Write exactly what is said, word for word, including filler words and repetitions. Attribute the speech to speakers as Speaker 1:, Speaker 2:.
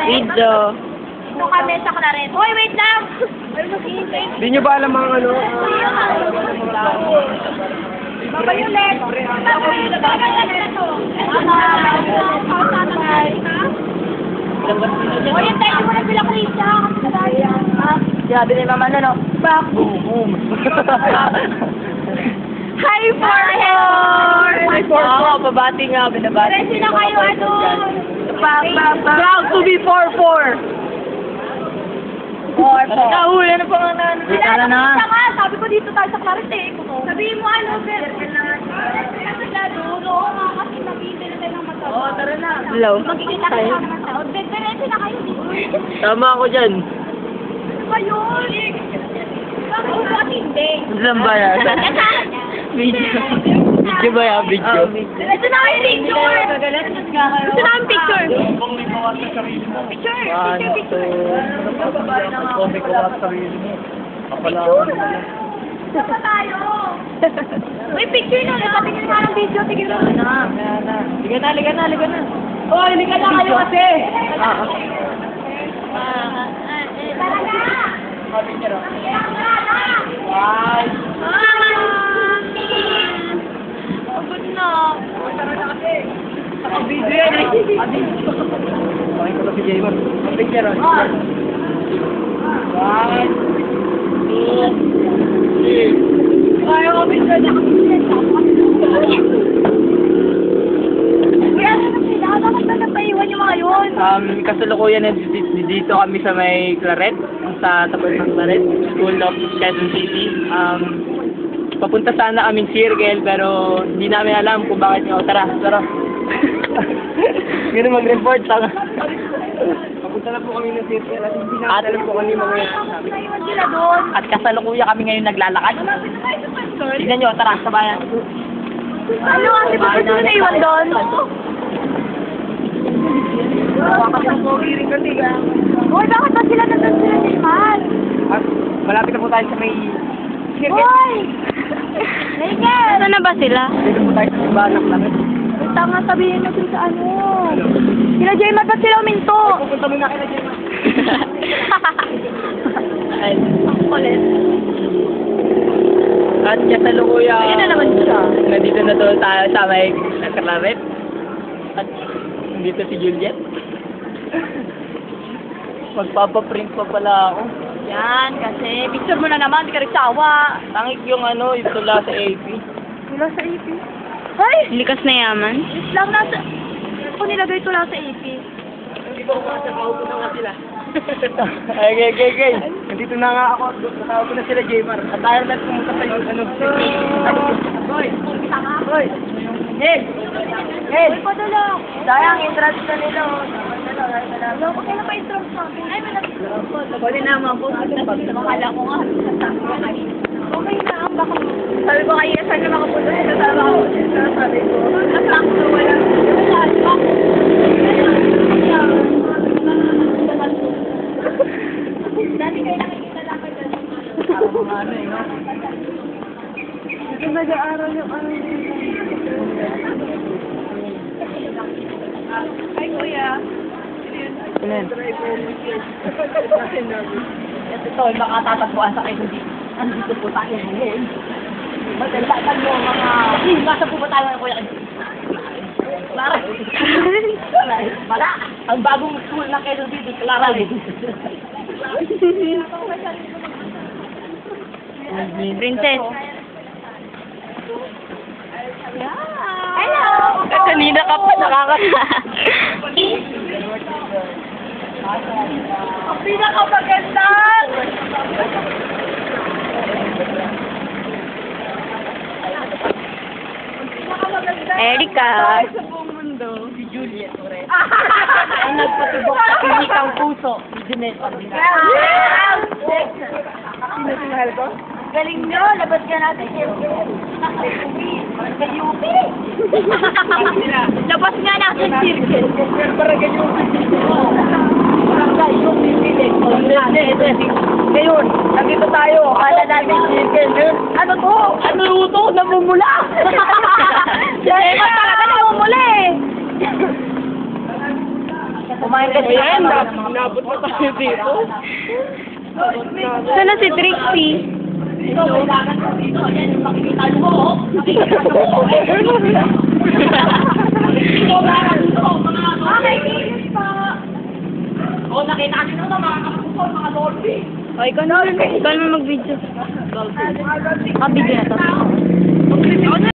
Speaker 1: Video.
Speaker 2: Dito kami sa Claret. Hoy, wait lang!
Speaker 3: Hindi nyo ba alam mga ano?
Speaker 2: Babay ulit! Babay ulit! Babay ulit! Hoy, yung tayo mo na sila, Krista!
Speaker 1: Sabi ni Mama na, no?
Speaker 2: Back!
Speaker 3: Boom!
Speaker 2: Hi, four!
Speaker 1: Ay, four po. Pabati nga, binabati.
Speaker 2: Ready na kayo, ano?
Speaker 1: Back, back, back. Proud to be four four.
Speaker 2: Four, four.
Speaker 1: Nakahuli na pa nga na.
Speaker 2: Tara na. Nga, sabi ko dito tayo sa Claret eh. Sabihin mo ano, Fer. Oo nga, kasi mag-iintay na tayo ng matawag.
Speaker 1: Oo, tara na. Hello.
Speaker 2: Magkikita kayo ng matawag. Diretso na kayo dito.
Speaker 3: Tama ako dyan.
Speaker 2: Ano ba yun? Bakit ba hindi?
Speaker 3: Saan ba yan?
Speaker 1: Video.
Speaker 3: Video ba yan? Video?
Speaker 2: Ito na kayo picture! Ito na ang picture! Picture!
Speaker 3: One,
Speaker 2: Picture, picture!
Speaker 3: two. Kung may kuha sa sarili mo. Kapala.
Speaker 2: Isa pa tayo! May picture na! Nakatingin nga ng video. Tigil na!
Speaker 1: Liga na, liga na, liga na.
Speaker 2: Hoy, liga na kayo kasi!
Speaker 1: Ah,
Speaker 2: Tara na!
Speaker 1: Wow.
Speaker 2: Pagod na.
Speaker 1: Video yan eh.
Speaker 3: Bakit ko lang si Jaymar? Picture on.
Speaker 1: One, two,
Speaker 2: Ay, ako picture na. Kuya, ano na sila? Bakit ba napaiwan yung mga yun?
Speaker 3: Um, kasalukuyan na di- di- dito kami sa may Claret, sa tapat ng Claret, School of Quezon City. Um, papunta sana kaming circle, pero hindi namin alam kung bakit nga. Oh, tara, tara. Ganun mag-report, tanga. Papunta na po kami ng circle at hindi namin alam kung ano yung mga sabi.
Speaker 2: Naiwan sila doon.
Speaker 1: At kasalukuyan kami ngayon naglalakad. Tignan nyo, tara, sabayan.
Speaker 2: Ano? Kasi ba sila naiwan doon? Hoy, bakit ba sila nandun sila ni Man?
Speaker 3: At malapit na po tayo sa may circle.
Speaker 2: Hoy! Nigel!
Speaker 1: Saan na ba sila?
Speaker 3: Dito po tayo sa simbahan ng Claret.
Speaker 2: Tama, sabihin nyo dun sa ano. Sila Jaymar, ba't sila uminto?
Speaker 3: Pupunta muna kayo na Jaymar.
Speaker 1: Ay,
Speaker 2: Kulit.
Speaker 3: At kasalukuyan.
Speaker 2: Ayun na naman siya.
Speaker 3: Nandito na doon tayo sa may Claret. At dito si Juliet. Magpapaprint pa pala ako.
Speaker 2: Yan, kasi picture mo na naman, di ka rin sawa.
Speaker 3: Tangik yung ano, yung tula sa A P.
Speaker 2: Tula sa A P. Hoy!
Speaker 1: likas na yaman.
Speaker 2: Islam nasa... Ako nilagay tula sa A P.
Speaker 3: Hindi ba ako sa kaupo na nga sila? Ay, gay, gay, gay. Nandito na nga ako. Kasama ko na sila, Jaymar. At tayo na pumunta sa yung ano.
Speaker 2: Hoy! Tama.
Speaker 3: Hoy! Hey! Hey!
Speaker 2: Hoy, padala.
Speaker 3: Sayang, entrance na nila. oh.
Speaker 2: Wala ko kailan pa instruct sa akin. Ay, may nag-
Speaker 3: Pwede na mga boss.
Speaker 2: Akala ko nga, sasabi ko kayo. Okay na, ang baka... Sabi ko kayo, saan na makapunta sila? Sabi ko, sabi ko. Asak ko, wala. Wala, asak. Dati kayo nakikita lang kayo.
Speaker 3: Ano eh, no?
Speaker 2: Ito nag-aaral yung ano. Ay, kuya.
Speaker 3: Ano yan?
Speaker 1: Ito to, makatatagpuan sa kayo dito. Andito po tayo ngayon. Magandaan mo mga... Eh, nasa po ba tayo ng kuya? Clara. Wala. Ang bagong school na kayo dito, Clara. Princess.
Speaker 2: Hello!
Speaker 1: Kanina ka pa nakakata.
Speaker 2: Ang pinakamaganda!
Speaker 1: Erika.
Speaker 2: Sa buong mundo.
Speaker 3: Si Juliet, ore.
Speaker 1: Ang nagpatubok sa klinikang puso. Si Jeanette.
Speaker 2: Yes!
Speaker 3: Sino sinahal ko?
Speaker 2: Galing nyo, labas ka natin. Kayupi! Labas nga natin circle.
Speaker 3: Barangay yung
Speaker 1: Barangay yung pipili.
Speaker 3: Ngayon, nandito tayo. Akala namin circle.
Speaker 2: Ano to?
Speaker 1: Ano ito? Namumula!
Speaker 2: Diyan, talaga namumula eh.
Speaker 1: Kumain
Speaker 3: Ayan, nabot na tayo dito.
Speaker 2: Sana si Trixie.
Speaker 1: Ito, kailangan ko dito. Yan yung makikita mo, oh. Nakikita mo, oh. Ito, kailangan dito, mga ano.
Speaker 2: Okay, kinis pa.
Speaker 1: Oh, nakita nyo na mga kapupol, mga lolby.
Speaker 2: O, ikaw na. Ikaw naman mag-video. Ah, video na to.